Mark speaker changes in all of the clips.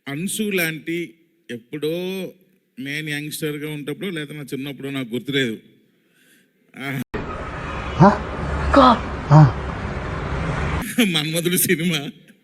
Speaker 1: అన్సు లాంటి ఎప్పుడో నేను యంగ్స్టర్గా ఉన్నప్పుడు లేదా నా చిన్నప్పుడు నాకు గుర్తులేదు మన్మధుడు సినిమా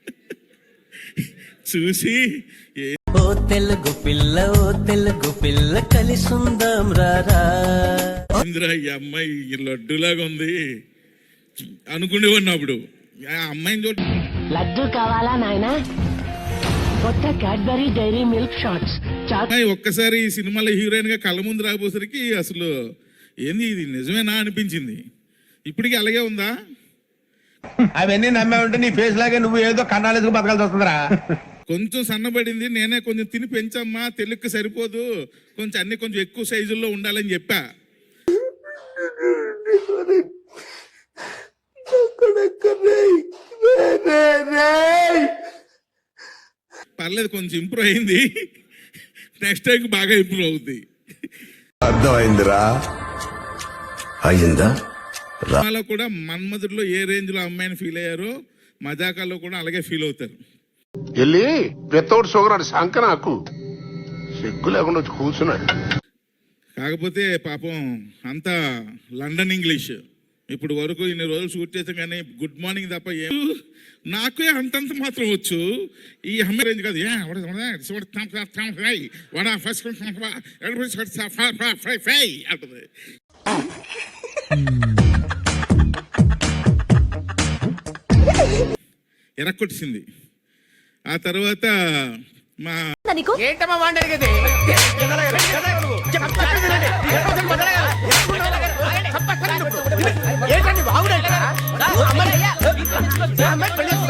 Speaker 1: చూసి
Speaker 2: ఓ తెలుగు పిల్ల కలిసుందాం రారా
Speaker 1: ఇంద్రా ఈ అమ్మాయి లడ్డులాగా ఉంది అనుకునేవాడిని అప్పుడు ఆ అమ్మాయిని చూడ
Speaker 3: లడ్డు కావాలా నాయనా కొత్త క్యాడ్బరీ డైరీ మిల్క్ షాట్స్
Speaker 1: ఒక్కసారి ఈ సినిమాలో హీరోయిన్ గా కళ్ళ ముందు రాబోసరికి అసలు ఏంది ఇది నిజమేనా అనిపించింది. ఇప్పటికీ అలాగే ఉందా?
Speaker 4: అవన్నీ నమ్మే ఉంటే నీ ఫేస్ లాగే నువ్వు ఏదో కన్నాలేసుకు బతకాల్సి వస్తుందిరా.
Speaker 1: కొంచెం సన్నబడింది, నేనే కొంచెం తిని పెంచమ్మా, తెలుగుకి సరిపోదు, కొంచెం అన్ని కొంచెం ఎక్కువ సైజుల్లో ఉండాలని చెప్పా. పర్లేదు, కొంచెం ఇంప్రూవ్ అయింది. నెక్స్ట్ టైం బాగా ఇంప్రూవ్ అవుద్ది.
Speaker 5: అర్థమైందిరా? అయిందా?
Speaker 1: సినిమాలో కూడా మన్మధుడిలో ఏ రేంజ్ లో అమ్మాయిని ఫీల్ అయ్యారో మజాకాల్లో కూడా అలాగే ఫీల్ అవుతారు.
Speaker 5: వెళ్ళి వితౌట్ షుగర్ అని శంక నాకు సిగ్గు లేకుండా వచ్చి కూర్చున్నాడు.
Speaker 1: కాకపోతే పాపం అంతా లండన్ ఇంగ్లీష్. ఇప్పుడు వరకు ఇన్ని రోజులు షూట్ చేసాం కానీ గుడ్ మార్నింగ్ తప్ప నాకే అంతంత మాత్రం వచ్చు. ఈ అమ్మాయి రేంజ్ కాదు. అంటది. ఎరక్కొట్టింది. ఆ తర్వాత మా
Speaker 4: ఏంటమ్మా వాడిని అడిగేది? ఏంటండి బాగుండే